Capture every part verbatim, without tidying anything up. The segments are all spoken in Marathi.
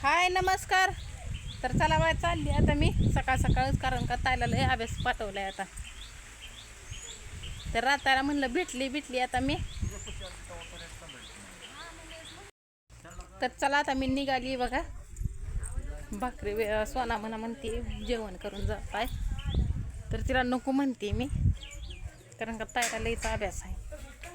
हाय नमस्कार. तर चला बाय चालली आता मी सकाळ सकाळच, कारण का ताईला लय अभ्यास पाठवलाय आता. तर राताला म्हणलं भेटली भेटली आता मी. तर चला आता मी निघाली बघा. भाकरी सोना म्हणा म्हणते जेवण करून जात आहे, तर तिला नको म्हणते मी, कारण का ताईला लयचा अभ्यास आहे.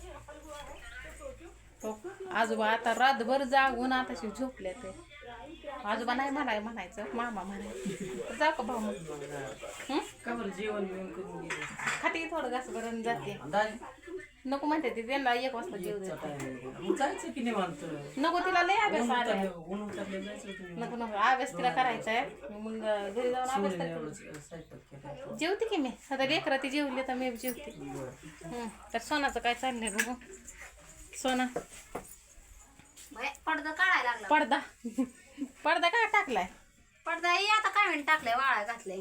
आजोबा आता रातभर जागून आताशी झोपले. ते आजोबा नाही म्हणाय म्हणायचं मामा म्हणायचं. जाऊ का भाऊ मग जेवण बिवण करून गेले खाते थोडं घास भरून जाते. नको म्हणते ते, त्यांना एक वाजता जेव जायचं की निवांत. नको, तिला लय अभ्यास आलाय. ऊन उतरले जायचं. नको नको अभ्यास तिला करायचा आहे. मग घरी जाऊन अभ्यास करते. जेवते की मी आता, लेकरं ती जेवली तर मी जेवते. हम्म. तर सोनाचं काय चाललंय बघू. सोना पडदा काढायला लागला. पडदा पडदा काय टाकलाय? पडदा हे आता काय म्हणून टाकलाय, वाळा घातलाय.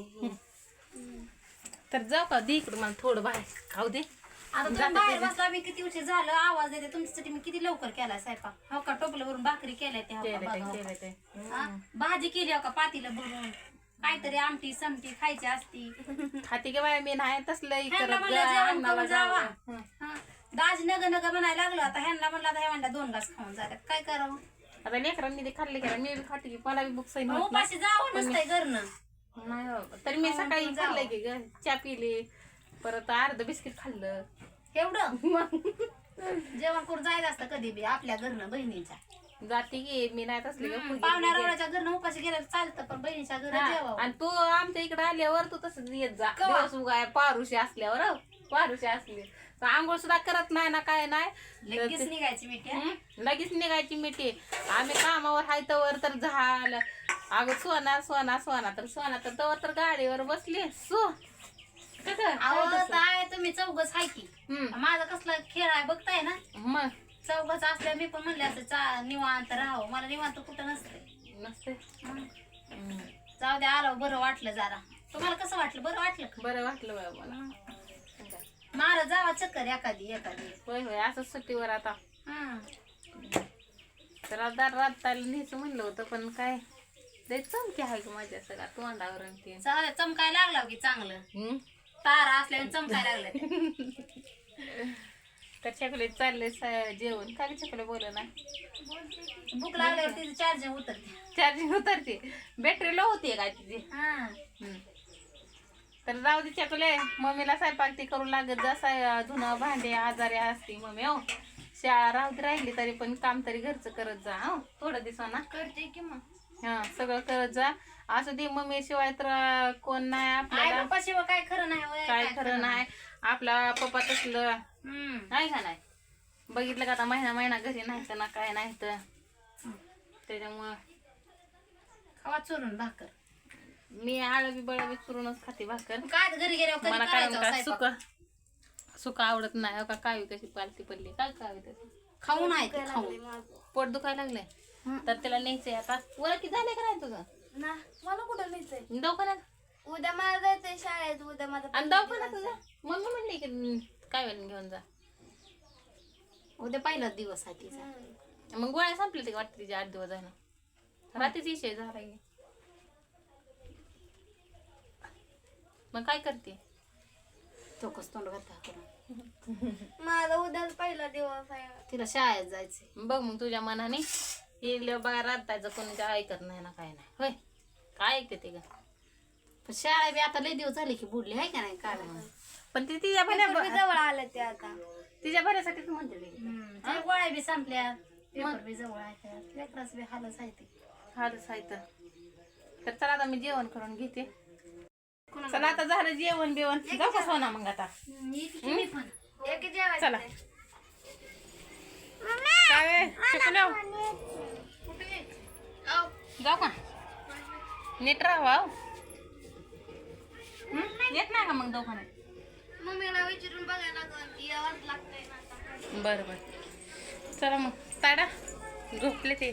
तर जाऊ का दे इकडं, मला थोडं बाहेर खाऊ दे. आता तुम्ही बाहेर बसला, मी किती उशीर झालं आवाज देते तुमच्यासाठी. मी किती लवकर केलाय स्वयंपाक. हो का, टोपल्यावरून भाकरी केल्या त्या, हो का, बघा, हो का. हा? भाजी केली हो का पातीला भरून, काहीतरी आमटी समटी खायची असती. खाते की बाय मी नाही तसलं ह्यांना म्हणलं जेवण करून जावा. हा. दाज नग नग म्हणायला लागलो. आता ह्यांना म्हणलं, आता ह्या म्हणला दोन घास खाऊन जातात, काय करावं. आता लेकरांनी ते खाल्ले की मी बी खाते की, मला बी बुक सही उपाशी जावं नसतंय घरनं. नाही बाबा. तरी मी सकाळी खाल्लंय की ग, चहा पिली, परत अर्ध बिस्किट खाल्लं एवढं जेवण करून जायचं असतं कधी बी आपल्या घरनं बहिणीच्या. जाते की मी नाही तसली ग. पाहुण्या रावळ्याच्या घरनं उपाशी गेलं चालतं, पण बहिणीच्या घरात जेवावं. आणि तू आमच्या इकडे आल्यावर तू तसंच येत जा. दिवस उगाय पारुशी असल्यावर, हो, पारुशी असली आंघोळ सुद्धा करत नाही ना, काय नाही, लगेच निघायची मिठी. लगेच निघायची मिठी. आम्ही कामावर हाय तवर तर झालं. अगं सोना सोना सोना तर सोना तर तवर तर गाडीवर बसली सो. काय तुम्ही चौघच हाय की, माझा कसला खेळ आहे बघताय ना. मग चौघच असल्या मी पण म्हणले असं चा निवांत राहावं. मला निवांत कुठं नसते नसते. जाऊ द्या, आलो बरं वाटलं जरा. तुम्हाला कसं वाटलं? बरं वाटलं का? बरं वाटलं बाय मला. मारा जावा चक्कर एखादी एखादी. होय होय असं सुट्टीवर आता. हं. तर आता राताला न्यायचं म्हणलं होतं, पण काय लय चमकी आहे का माझ्या सगळ्या तोंडावर. ते चालेल, चमकायला लागला की चांगलं. तारा असल्याने चमकायला लागलं. तर चकले चालले जेवण. काय चकले बोल ना, भूक लागल्यावर तिची चार्जिंग उतरते. चार्जिंग उतरते, बॅटरी लो होती काय तिची. हा. तर जाऊ दे चकले. मम्मीला स्वयंपाक ती करू लागत जसा, धुणं भांडे आजारी असती मम्मी. हो, शाळा राहत राहिली तरी पण काम तरी घरचं करत जा. हो, थोडं दिवसांना करते की मग. हा, सगळं करत जा. असं दे मम्मी शिवाय तर कोण नाही आपल्याला. पप्पा शिवाय काय खरं नाही. काय खरं नाही. आपला पप्पा तसलं नाही का नाही. बघितलं का आता महिना महिना घरी नाही तर ना काय नाही तर त्याच्यामुळं खावा चोरून भाकर. मी आळबी बळबी चुरूनच खाते भाकर. काय घरी गेल्यावर मला कारण का सुक सुक आवडत नाही. का कावी कशी पालती पडली काय कावी तशी खाऊन आहे ते, खाऊन पोट दुखायला लागलंय. तर त्याला न्यायचंय आता. वळ की झालंय का नाही तुझं? ना मला कुठं न्यायचंय? दवाखान्यात उद्या मला जायचंय शाळेत. उद्या माझा आणि दवाखान्यात तुझं मम्मी म्हणली की काय वेळ घेऊन जा. उद्या पहिलाच दिवस आहे तिचा. मग गोळ्या संपले ते वाटतं तिचे आठ दिवस झालं. रात्रीच विषय झाला. मग काय करते? चोकस तोंड घालता करून. माझा उद्या पहिला दिवस आहे. तिला शाळेत जायचंय. बघ मग तुझ्या मनाने हे बघा राबतायचं कोणी ऐकत नाही ना काय नाही. होय, काय ऐकते ते ग. पण शाळा बी आता लय दिवस झाले की बुडली आहे का नाही काय. पण ती तिच्या पेपर बी भऱ्या जवळ आलं ते आता. तिच्या भऱ्यासाठीच म्हणते ते. ते गोळ्या बी संपल्या, पेपर बी जवळ आहे. लेकराच बी हालच आहे ते. हालच आहे तर. तर चला आता मी जेवण करून घेते. चला आता झालं जेवण बिवण. जाऊ का सोना मग आता? मी पण एक जेवायचं. चला काय शिकलो जाऊ का? नीट राहा. येत नाही का मग दवाखान्यात? मम्मीला विचारून बघायला लागलं. यावंच लागतंय ना आता. बरं बरं चला मग. ताडा झोपले ते.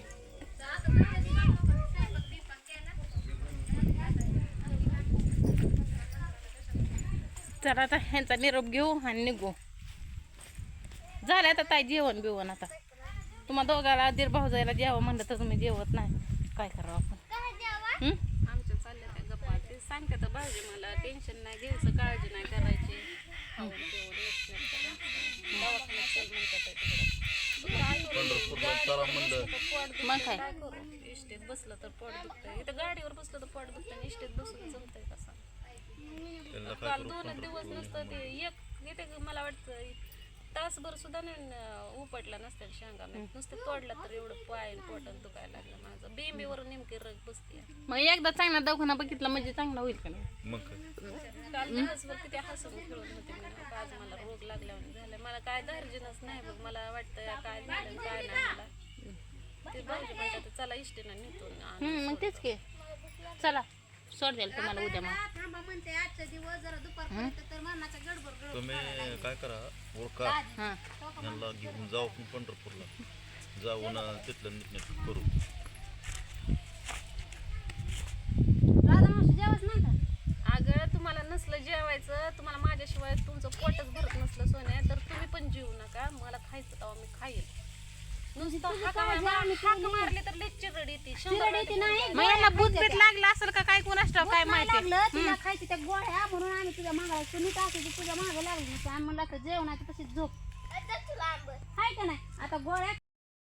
चला आता ह्यांचा निरोप घेऊ आणि निघू. झालं आता ताई जेवण बिवण. आता तुम्हा दोघाला दीर भाऊ जायला जेवं म्हणलं तर तुम्ही जेवत नाही. काय करावं आपण हं? आमच्या चालल्या त्या गप्पा ते सांगते तर भाऊजी मला टेन्शन नाही घ्यायचं काळजी नाही करायची खाऊन पिऊन नीटनेटकं राहायचं. दवाखान्यात चल म्हणतात आहे तिकडं. काय करू? गाडीवर बसलं तर पोट दुखतंय, मग काय? काय करू? इष्टीत बसलं तर पोट दुखतंय, इथं गाडीवर बसलं तर पोट दुखतंय आणि इष्टीत बसून जमतंय कसं. काल दोनच दिवस नसतं ते एक येते मला वाटतं तासभर सुद्धा नाही न- उपटला नसतं शेंगा मी नुसतं तोडला तर एवढं पाय पोटात दुखायला लागलं माझं बेंबीवर नेमकी रग बसते. मग एकदा चांगला दवाखाना बघितला म्हणजे चांगला होईल का नाही मग काय काल दिवसभर किती हसून खेळून होते मी आज मला रोग लागल्यावर झालं मला काय धार्जिनच नाही बघ मला वाटतं काय झालं काय नाही मला ते भाऊजी म्हणतात चला इष्टीनं निघून हं, मग तेच की चला सोड द्याल तुम्हाला उद्या मग थांबा म्हणते आजचा दिवस जरा दुपारपर्यंत तर मरणाचा गडबड गडबड तुम्ही काय करा ओळखा हां यांना घेऊन जाऊ आपण पंढरपूरला जाऊन तिथलं नीटनेट करू. राधा मावशी जेवच नाही का अगं तुम्हाला नसलं जेवायचं तुम्हाला माझ्याशिवाय तुमचं पोटच भरत नसलं सोन्या तर तुम्ही पण जेवू नका मला खायचं तेव्हा मी खाईल नुसतं हाका हाक मारले तर लई चिरड येते शंभर येते नाही मग यांना भूत बीत लागलं असेल का काय कोणाच ठाऊक, काय नाही माहिती लागलं तिला खायची त्या गोळ्या म्हणून आम्ही तुझ्या मागायला तू नीट असायची तुझ्या मागे लागली आम्ही म्हणलं असं जेवणाची तशीच झोप आता तुला आंबट हाय का नाही आता गोळ्या